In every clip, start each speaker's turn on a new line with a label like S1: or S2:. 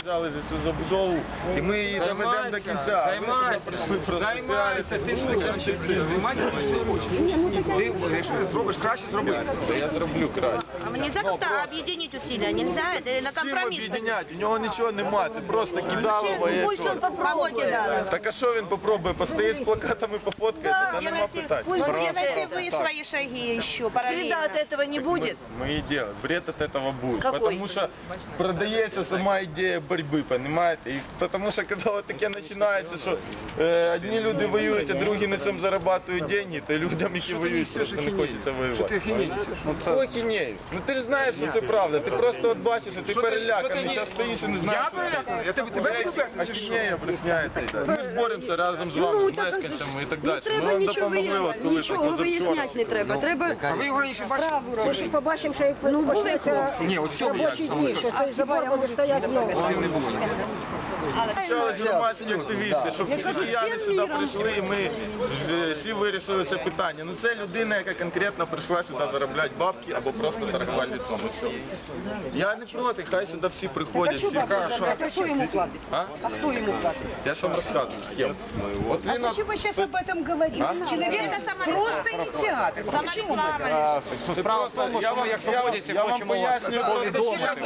S1: взяли за цю забудову, і ми її доведемо до кінця.
S2: Займайся тим, що займайся тим, що хочеш. Ти, якщо зробиш краще, зроби.
S1: Я зроблю краще.
S3: А нельзя как-то объединить усилия? Нельзя? Это на
S1: Чим
S3: компромисс?
S1: об'єднати? У нього нічого нема, це просто кидалово і
S3: Пусть
S1: все.
S3: он попробует.
S1: Так а що він попробує? Постоїть з плакатами, пофоткається, та нема питань.
S3: Пусть делайте вы свои шаги еще параллельно.
S4: Вреда от этого не будет?
S1: Мы и делаем. Вред от этого будет.
S4: Какой?
S1: Потому что продается сама идея борьбы, понимаете? И потому что когда вот таке начинается, что одни люди воюють, а другі на цьому зарабатывают деньги, то людям, які воюють, просто не хочеться воювати. Ой, хінею. Ну ти ж знаєш, що це правда. Ти просто от бачиш, що ти переляканий, зараз стоїш і не знаєш,
S2: Я переляканий? Я тебе
S1: ахінея брехня. Ми ж боремося разом з вами, з мешканцями і так далі. Ми вам допомогли, от коли
S4: Нічого виясняти не треба. Треба
S2: А ви його раніше бачили?
S5: Побачимо, що як почнеться
S2: Ні, от цього як?
S5: робочі дні, що цей забор буде стояти знову.
S2: Не було.
S1: Почалися громадські активісти, щоб всі кияни сюди прийшли і ми всі вирішили це питання. Ну це людина, яка конкретно прийшла сюди заробляти бабки або просто торгувати лицом. І все. Я не проти, хай сюди всі приходять, всі кажуть.
S5: А хто йому платить?
S1: А?
S5: А хто йому платить?
S1: Я ж вам розказую, з ким. От він от...
S5: Почему сейчас об этом говорим? Человек
S3: Это
S5: просто инициатор.
S3: самореклама.
S1: Справа в тому, що ми як свободівці хочемо вас повідомити.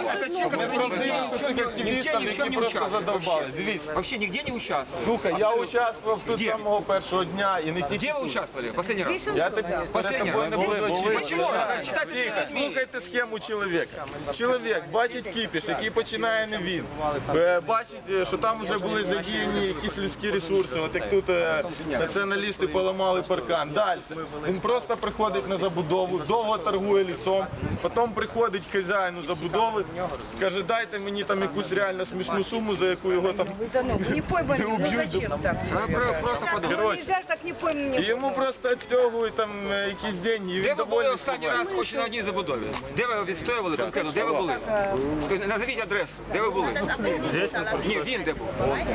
S1: Активістам, які просто задовбали. Дивіться.
S2: Вообще нигде не участвовал.
S1: Слухай, я участвував тут з самого першого дня і не тільки
S2: Где вы
S1: тут.
S2: участвовали последний раз?
S1: Я так перед тобою не буду очікувати.
S2: Почему?
S1: Тихо, слухайте схему чоловіка. Чоловік бачить кіпіш, який починає не він. Бачить, що там вже були задіяні якісь людські ресурси, от як тут націоналісти поламали паркан. Далі. Він просто приходить на забудову, довго торгує лісом, потім приходить хазяїну забудови, каже, дайте мені там якусь реально смішну суму, за яку його там
S5: Не пойман,
S1: не
S5: ну
S1: уб'ють.
S5: зачем так?
S2: Просто подумай.
S1: Короче,
S5: Нельзя ж так не пойман.
S1: і йому просто відстягують там якісь деньги, і
S2: Де
S1: він
S2: ви були
S1: довольний.
S2: останній раз хоч на одній забудові? Де ви відстоювали конкретно? Де ви були? Скажіть, назовіть адресу. Де ви були? Ні, він де був.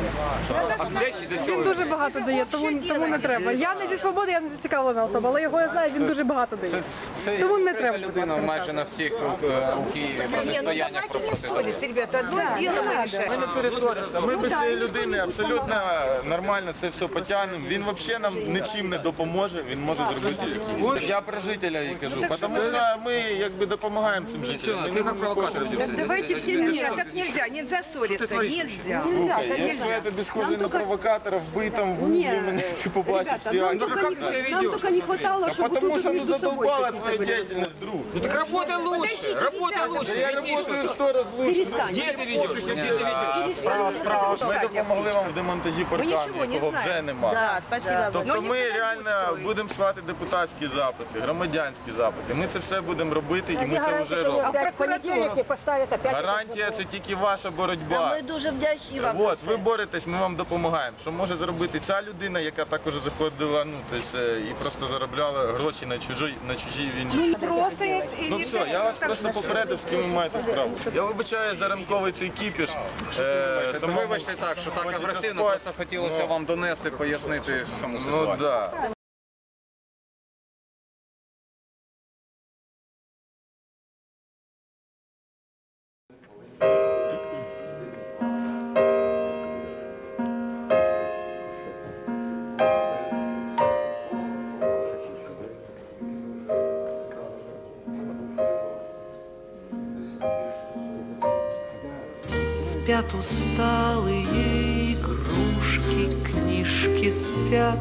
S2: А де ще до цього?
S6: Він дуже багато дає, тому не треба. Я не зі свободи, я не зацікавлена особа, але його я знаю, він дуже багато дає. Тому не треба.
S7: Людина майже на всіх у Києві протистояннях проходить.
S5: Ребята, одно дело мы решаем.
S1: Ми не перетворимося. Ми без цієї людини абсолютно нормально це все потягнемо. Він взагалі нам нічим не допоможе, він може зробити. Я про жителя і кажу, тому що ми якби допомагаємо цим жителям. Ми не хочемо.
S5: Давайте все мира. Так нельзя, нельзя ссориться. Нельзя.
S1: Слухай, якщо я тобі схожий на провокатора, вбий там, вбий мене, ти побачиш всі
S6: Нам
S1: акції.
S6: только не хватало, чтобы
S1: Потому
S6: тут
S1: что ну
S6: между собой
S1: задолбала
S6: какие-то
S1: твоя
S6: были.
S1: деятельность, друг.
S2: Ну так работай лучше, работай лучше.
S1: Я работаю в 100 раз лучше.
S2: Где ты ведешь? Где ты ведешь?
S1: Ми допомогли вам в демонтажі паркану, якого вже нема.
S3: Да, спасибо.
S1: Тобто ми реально будемо слати депутатські запити, громадянські запити. Ми це все будемо робити і ми це вже робимо.
S5: А в понедельник не поставят опять.
S1: Гарантія – це тільки ваша боротьба.
S3: Ми дуже вдячні вам.
S1: От, ви боретесь, ми вам допомагаємо. Що може зробити ця людина, яка також заходила, ну, тобто, і просто заробляла гроші на чужій війні.
S5: Просто
S1: Ну все, я вас просто попередив, з ким ви маєте справу. Я вибачаю за ранковий цей кіпіш.
S7: Вибачте так, що так агресивно, просто хотілося вам донести, пояснити саму
S1: Ну
S7: ситуацію.
S1: да.
S8: Спят усталые игрушки, книжки спят,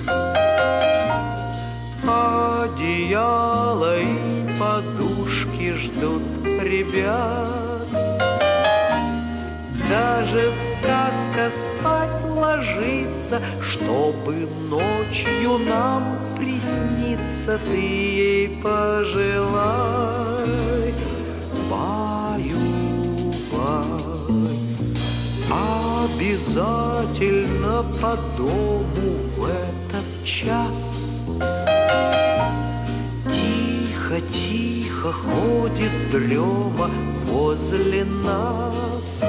S8: одеяло и подушки ждут ребят. Даже сказка спать ложится, чтобы ночью нам присниться. Ты ей пожелай, баю-бай. Обязательно по дому в этот час тихо-тихо ходит дрема возле нас.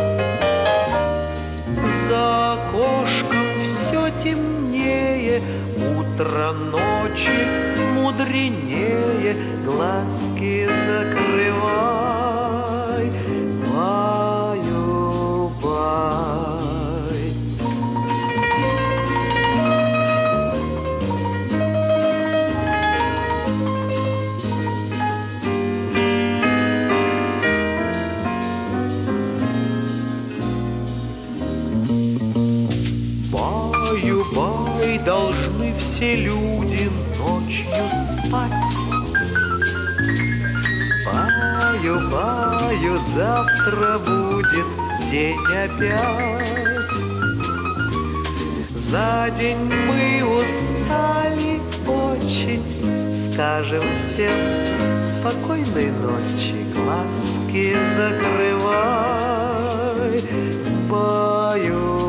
S8: За окошком все темнее, утро ночи мудренее. Глазки закрывай, баю-бай. все люди ночью спать. Баю, баю, завтра будет день опять. За день мы устали очень, скажем всем спокойной ночи, глазки закрывай. Баю,